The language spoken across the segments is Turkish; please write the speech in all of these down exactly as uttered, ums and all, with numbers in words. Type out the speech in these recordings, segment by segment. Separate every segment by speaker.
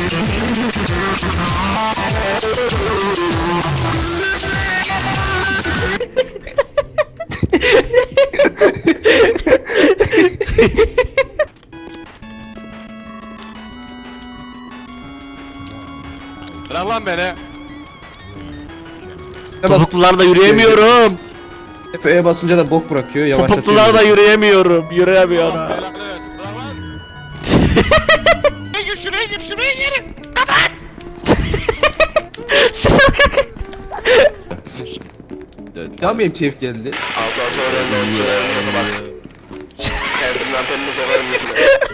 Speaker 1: Bırak lan beni.
Speaker 2: Topuklularla yürüyemiyorum.
Speaker 3: Hep E'ye basınca da bok bırakıyor. Yavaşlatıyor.
Speaker 2: Topuklularla yürüyemiyorum. Yürüyemiyorum.
Speaker 1: Belanı versin, bırak lan.
Speaker 4: Şuraya gir, şuraya gir, şuraya gir. Kapat.
Speaker 3: Ya benim keyif geldi.
Speaker 4: Asansörün önüne bak. Kendimden penini sokarım yüzüne.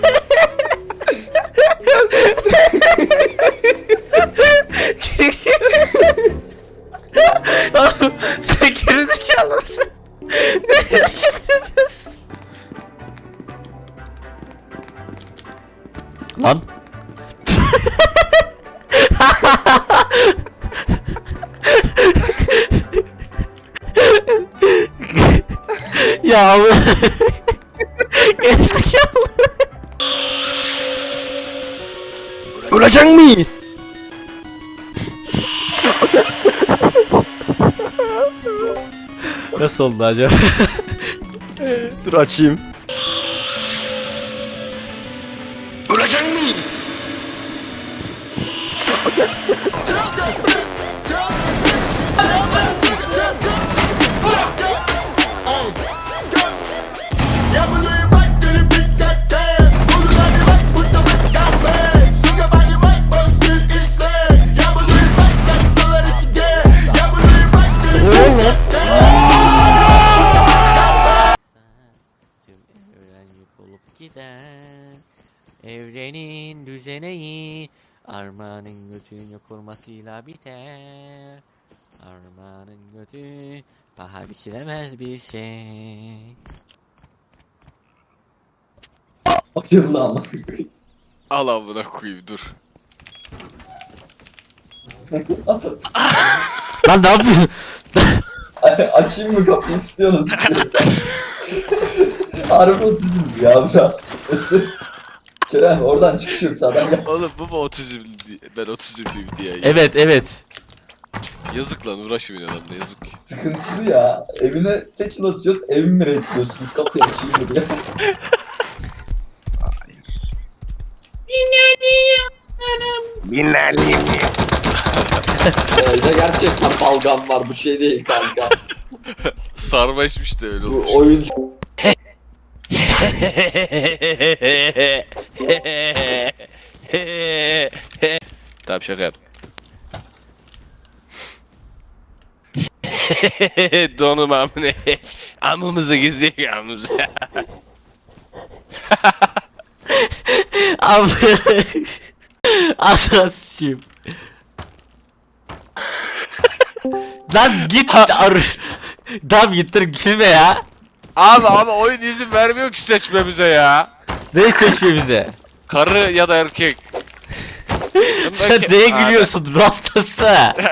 Speaker 2: Sen gerizekalı mısın? Ne yapıyorsun? Lan. Ya Allah. Gerizekalı.
Speaker 3: Ölecek mi?
Speaker 2: Nasıl oldu acaba?
Speaker 3: Dur açayım.
Speaker 4: Ölecek mi?
Speaker 5: Tüm evren yok olup gider. Evrenin düzeneği armağanın götünü kurmasıyla biter. Armağanın götü paha biçilemez bir şey.
Speaker 6: Acılı ama.
Speaker 1: Al amına koyayım dur.
Speaker 2: Lan ne yapıyorsun?
Speaker 6: Açayım mı kapıyı istiyorsunuz bir şey. Harbi otizm ya biraz. Kerem oradan çıkış yok sağdan gel.
Speaker 1: Oğlum bu mu otizm diye, ben otizmliyim diye. Ya.
Speaker 2: Evet evet.
Speaker 1: Yazık lan uğraşmayın adamla yazık.
Speaker 6: Sıkıntılı ya. Evine seçin atıyoruz, evimi mi reddediyorsunuz? Kapıyı açayım mı diye. Evde gerçekten balgam var, bu şey değil kanka.
Speaker 1: Sarma içmiş de öyle
Speaker 6: Bu
Speaker 1: olmuş.
Speaker 6: oyun
Speaker 1: Tamam şaka yap. Donum amına. Amımızı gizliyor amımızı.
Speaker 2: Abi. Asasçıyım. Lan git ar. Tamam gittir gülme ya.
Speaker 1: Abi abi oyun izin vermiyor ki seçmemize ya.
Speaker 2: Ne seçiyor bize?
Speaker 1: Karı ya da erkek.
Speaker 2: Sen neye gülüyorsun rastası?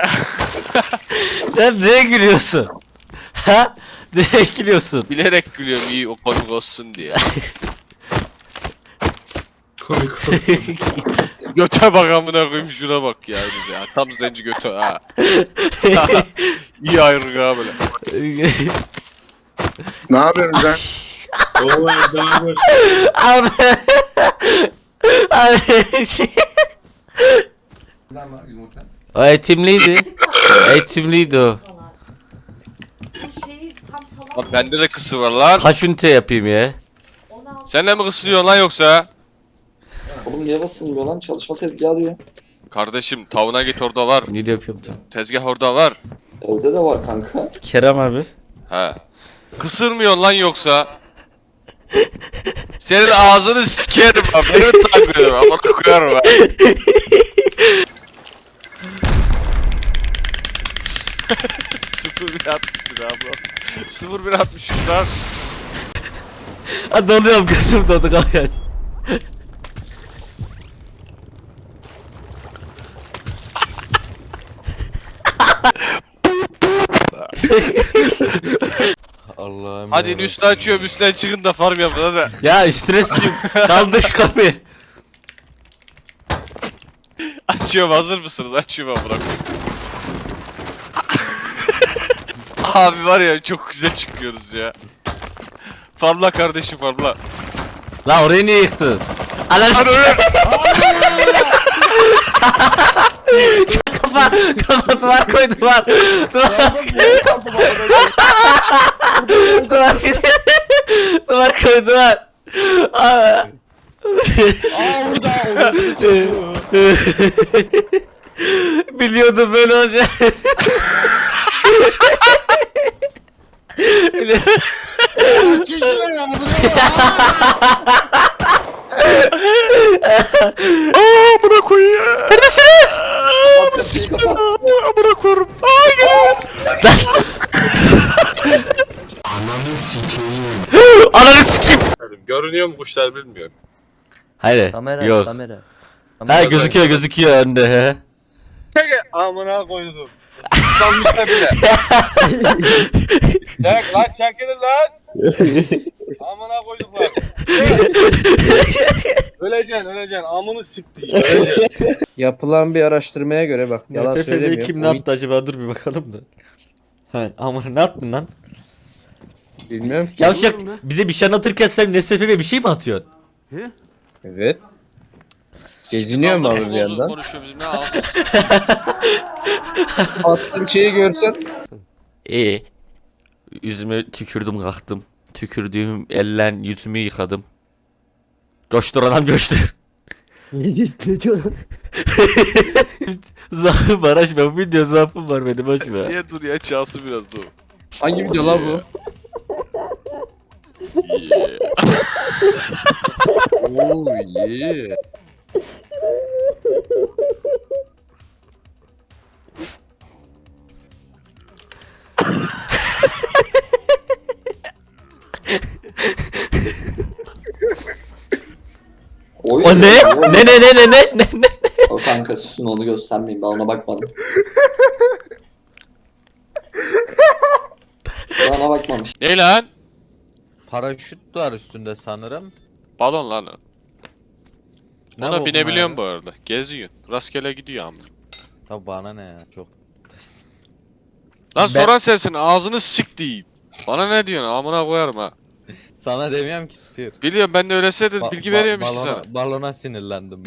Speaker 2: Sen neye gülüyorsun? Ha? Neye gülüyorsun?
Speaker 1: Bilerek gülüyorum iyi o komik olsun diye. Göte bak amına koyayım şuna bak ya bize ya. Tam zenci göte ha. İyi ayrılık ha böyle.
Speaker 4: Ne yapıyorsun sen? Oo, Erdem
Speaker 2: Abi. Abi. O eğitimliydi. Eğitimliydi o.
Speaker 7: Bu şeyi tam salak.
Speaker 1: Lan bende de kısı var lan.
Speaker 2: Kaç ünite yapayım ya?
Speaker 7: on altı
Speaker 1: Sen de mi kısılıyorsun lan yoksa?
Speaker 6: Oğlum niye basılmıyor lan? Çalışma tezgahı diyor.
Speaker 1: Kardeşim tavına git orada var.
Speaker 2: Ne yapıyorum tam?
Speaker 1: Tezgah orada var.
Speaker 6: Evde de var kanka.
Speaker 2: Kerem abi.
Speaker 1: He. Kısırmıyorsun lan yoksa. Senin ağzını sikerim ha. Beni mi takmıyorum ama koyarım ha. Sıfır bir altmış bir abla. Sıfır bir altmış üç lan.
Speaker 2: Ha doluyorum gözüm doldu kalk.
Speaker 8: Allah'ım.
Speaker 1: Hadi üstü açıyorum üstten çıkın da farm yapın hadi.
Speaker 2: Ya stresçiyim. Kaldır şu kapıyı.
Speaker 1: Açıyorum, hazır mısınız? Açıyorum amına koyayım. Abi var ya çok güzel çıkıyoruz ya. Farmla kardeşim farmla.
Speaker 2: La orayı niye yıktın? Ananı s- Kafa, kafa duvar koy duvar. Duvar. Duvar. Duvar koy duvar. Aa. Biliyordum böyle olacak.
Speaker 1: Aaa buna koyuyor.
Speaker 2: Neredesiniz?
Speaker 6: Kapat kapıyı kapat.
Speaker 1: Amına koyarım. Aa gel.
Speaker 2: Ananı sikeyim.
Speaker 1: Görünüyor mu kuşlar bilmiyorum.
Speaker 2: Hayır.
Speaker 8: Kamera,
Speaker 2: Yok.
Speaker 8: kamera.
Speaker 2: Ha gözüküyor gözüküyor önde he.
Speaker 1: Çek amına koydum. Islanmış da bile. Çek lan çekilin lan. Amına koyduklar. öleceksin öleceksin amını sikti. Öleceksin.
Speaker 3: Yapılan bir araştırmaya göre bak yalan
Speaker 2: N S F B'yi
Speaker 3: söylemiyorum.
Speaker 2: kim ne
Speaker 3: Oyun-
Speaker 2: attı acaba, dur bir bakalım da. Ha ama ne attın lan?
Speaker 3: Bilmiyorum ki.
Speaker 2: Yavşak bize bir şey anlatırken sen N S F B'ye bir şey mi atıyorsun?
Speaker 3: Evet. Geziniyor mu abi bir yandan?
Speaker 1: Konuşuyor bizim ne ağzımız.
Speaker 3: Attığım şeyi görsen.
Speaker 2: İyi. Yüzüme tükürdüm kalktım. Tükürdüğüm ellen yüzümü yıkadım. Coştur anam coştur.
Speaker 8: Ne diyorsun?
Speaker 2: Zaafım var açma, bu video zaafım var benim açma.
Speaker 1: Niye dur ya çalsın biraz dur.
Speaker 3: Hangi video la bu? Oo yeah.
Speaker 6: Oy,
Speaker 2: O ne?
Speaker 6: oy.
Speaker 2: Ne ne ne ne ne ne ne?
Speaker 6: O kanka susun onu göstermeyin ben ona bakmadım. Ben ona bakmamış.
Speaker 1: Ne lan?
Speaker 9: Paraşüt var üstünde sanırım.
Speaker 1: Balon lan o.
Speaker 9: Ne
Speaker 1: Ona
Speaker 9: bokuna
Speaker 1: binebiliyorum
Speaker 9: ya?
Speaker 1: bu arada. Geziyor. Rastgele gidiyor amına.
Speaker 9: Ya bana ne ya çok.
Speaker 1: Lan
Speaker 2: Ben-
Speaker 1: soran sensin ağzını sik diyeyim. Bana ne diyorsun amına koyarım ha.
Speaker 9: Sana demiyorum ki Sphere.
Speaker 1: Biliyorum ben de öylese de
Speaker 9: Ba-
Speaker 1: bilgi
Speaker 9: ba-
Speaker 1: veriyorum işte
Speaker 9: balona,
Speaker 1: sana.
Speaker 9: balona sinirlendim.